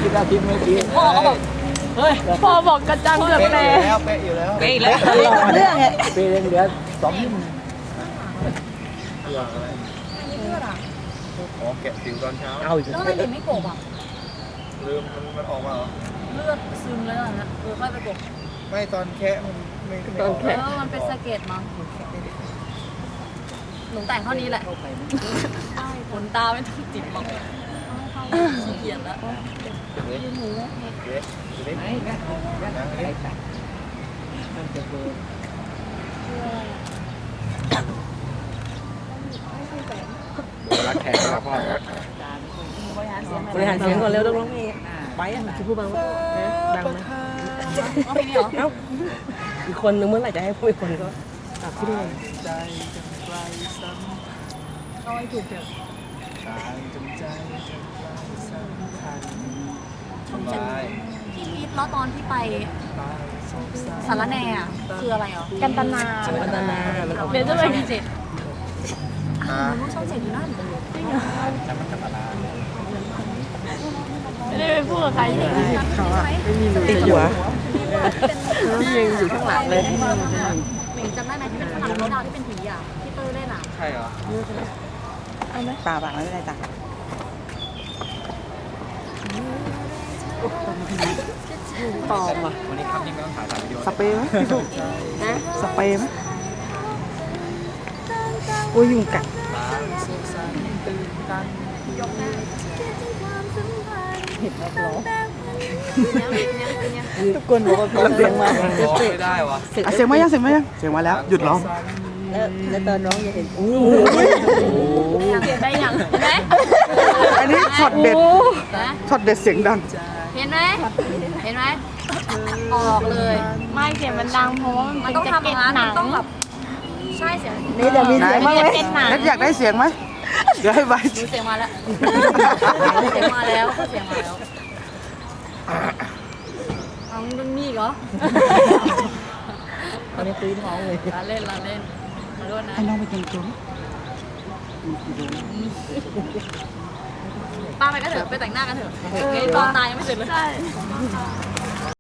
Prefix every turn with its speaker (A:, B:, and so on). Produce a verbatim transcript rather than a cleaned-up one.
A: กินอาทิตย์เมื่อกี้
B: พ่อก็บอกเฮ้ยพ่อบอกกระจังเกือบแตก
A: เป๊ะอยู่แล้ว
B: เป๊ะแล้วเรื่องไง
A: เป๊ะเหลือสองนิ้ว
C: อ๋อแกะผิวตอนเช้า
A: เอาอีก
B: แล้วทำไมถึงไม่โกบอ่ะ
C: ลืมมันมันออกมาเหรอ
B: เลือดซึมเลยนะเออค่อยไปโกบ
C: ไม่ตอนแคะมันไม่ไม่ออก
B: เออมันเป็นสะเก็ดมั้งหนูแต่งเท่านี้แหละขนตาไม่ต้องติดหรอกขี้เกียจแล้ว
C: เด็กเด็กเด็ก
A: ไหนนะนะไหนตัดมันจะเบอร์
C: รักแขกครับพ่อบ
B: ริหารเสียงก่อนเร็วต้องร้องเพลงไปอ่ะจะพูดบ้างไหมดังไหมร้องเพลงนี้เหรอเอ้าอีกคนนึงเมื่อไหร่จะให้พูดอีกคนก็ตัดที่นี่
C: ใจจนไกลซ้ำ
B: เอาให้ถูกเถอะ
C: ตายจนใจจนไกลสำคัญทำลาย
B: พี่พีทแล้วตอนที่ไป
C: ตายสงสาร
B: สารแหน่อะคืออะไรเหรอ
D: กันตนา
B: กันตนา
D: เดี๋ยวจะไป
B: ช่องเจ็ดอ้าวช่องเจ็ดอยู่นั่น
C: จะมันกันตนา
D: ไม่ได้ไปพูดกับใครเลย
B: เขาอะ
D: ติดหัว
B: พี่ยังอยู่ข้างหลังเลยหมิงจำได้ไหมที่เป็นฝรั่งที่ดาวที่เป็นผีอ่ะที่เตอร์เล่นอ่ะ
C: ใช่เหรอ
D: ป่าป่าไม่เป็นไรจ้ะ
B: ปลอมอ่ะ
C: วันนี้ครับนี่ไม่ต้องถ่ายถ่ายวิดีโอ
D: สเปรย์ไหมพี่สุนะสเปรย์ไหมโอ้ยยุงกัด
C: ตายสงสารตื่นตัน
B: เห็นแล้วร้อง
D: ทุกคนบอกว่าเสียงมา
C: ร้องไม่ได้วะ
D: อ่ะเสียงมายังเสียงมายังเสียงมาแล้วหยุดร้อง
B: แล้วแล้วตอนร้องจะเห็นอู้เสียงได้ยังเห็นไหม
D: อันนี้ช็อตเด็ด
B: นะ
D: ช็อตเด็ดเสียงดัง
B: เห็นไหมเห็นไหมออกเลย
D: ไม่เสียงมันดังเพราะว่า
B: มันต้องทำอย่างนั้นมันต้องแบบใช่เสียง
D: นี่จะมีเสียงไหมนัดอยากได้เสียงไหมเดี๋ยวให้ใบ
B: ดูเสียงมาแล้วเสียงมาแล้วเสียงมาแล้วเอามึงมีอีกเหรอ
A: ตอนนี้ตีท้องเลย
B: ลาเล่นลาเล่นมาด้วยนะ
D: ให้น้องไปกินจุ้ม
B: ป้าไปกันเถอะไปแต่งหน้ากันเถอะไอ้ตอนตายยังไม่เสร็จเลย